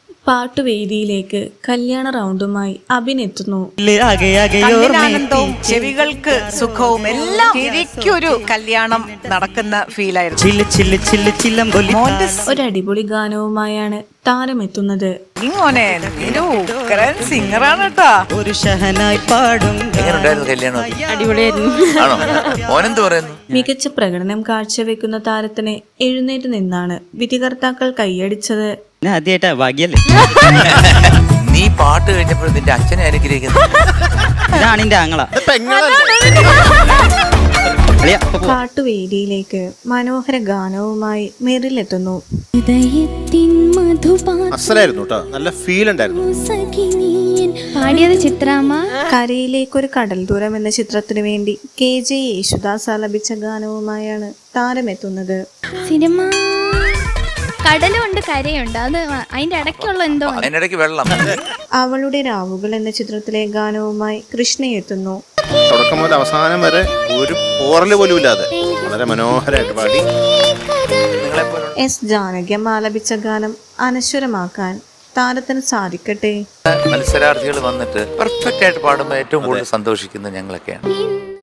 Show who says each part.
Speaker 1: പാട്ടുവേദിയിലേക്ക് കല്യാണ റൗണ്ടുമായി അഭിനെത്തുന്നു.
Speaker 2: ആനന്ദവും ചെവികൾക്ക് സുഖവും എല്ലാം ശരിക്കൊരു കല്യാണം നടക്കുന്ന ഫീലായിരുന്നു.
Speaker 1: ഒരടിപൊളി ഗാനവുമായാണ് താരമെത്തുന്നത്.
Speaker 2: സിംഗറാണ് കേട്ടാ.
Speaker 3: ഒരു ഷഹനായി പാടും.
Speaker 1: മികച്ച പ്രകടനം കാഴ്ചവെക്കുന്ന താരത്തിന് എഴുന്നേറ്റ് നിന്നാണ് വിധികർത്താക്കൾ കൈയടിച്ചത്.
Speaker 3: ആദ്യമായിട്ടാ ഭാഗ്യല്ലേ.
Speaker 4: നീ പാട്ട് കഴിഞ്ഞപ്പോൾ നിന്റെ അച്ഛനെ അനുഗ്രഹിക്കുന്നു.
Speaker 3: ഇതാണ് എന്റെ ആങ്ങള.
Speaker 1: പാട്ടുവേദിയിലേക്ക് മനോഹര ഗാനവുമായി മെറിലെത്തുന്നു.
Speaker 5: അസലായിരുന്നു കേട്ടോ, നല്ല ഫീൽ ഉണ്ടായിരുന്നു.
Speaker 6: പാടിയത് ചിത്രാമ്മ.
Speaker 1: കരയിലേക്കൊരു കടൽ ദൂരം എന്ന ചിത്രത്തിനു വേണ്ടി KJ യേശുദാസ് ആലപിച്ച ഗാനവുമായാണ് താരമെത്തുന്നത്.
Speaker 6: സിനിമ കടലുണ്ട് കരയുണ്ട്, അത് അതിന്റെ ഇടയ്ക്കുള്ള എന്തോ
Speaker 4: അതിനിടയ്ക്ക് വെള്ളം.
Speaker 1: അവളുടെ രാവുകൾ എന്ന ചിത്രത്തിലെ ഗാനവുമായി കൃഷ്ണ എത്തുന്നു.
Speaker 5: തുടക്കം മുതൽ അവസാനം വരെ ഒരു പോറല് പോലും ഇല്ലാതെ വളരെ മനോഹരമായിട്ട് പാടി.
Speaker 1: S. ജാനകിയം ആലപിച്ച ഗാനം അനശ്വരമാക്കാൻ താരത്തിന് സാധിക്കട്ടെ.
Speaker 4: മത്സരാർത്ഥികൾ വന്നിട്ട് പെർഫെക്റ്റ് ആയിട്ട് പാടുമ്പോൾ ഏറ്റവും കൂടുതൽ സന്തോഷിക്കുന്നത് ഞങ്ങളൊക്കെയാണ്.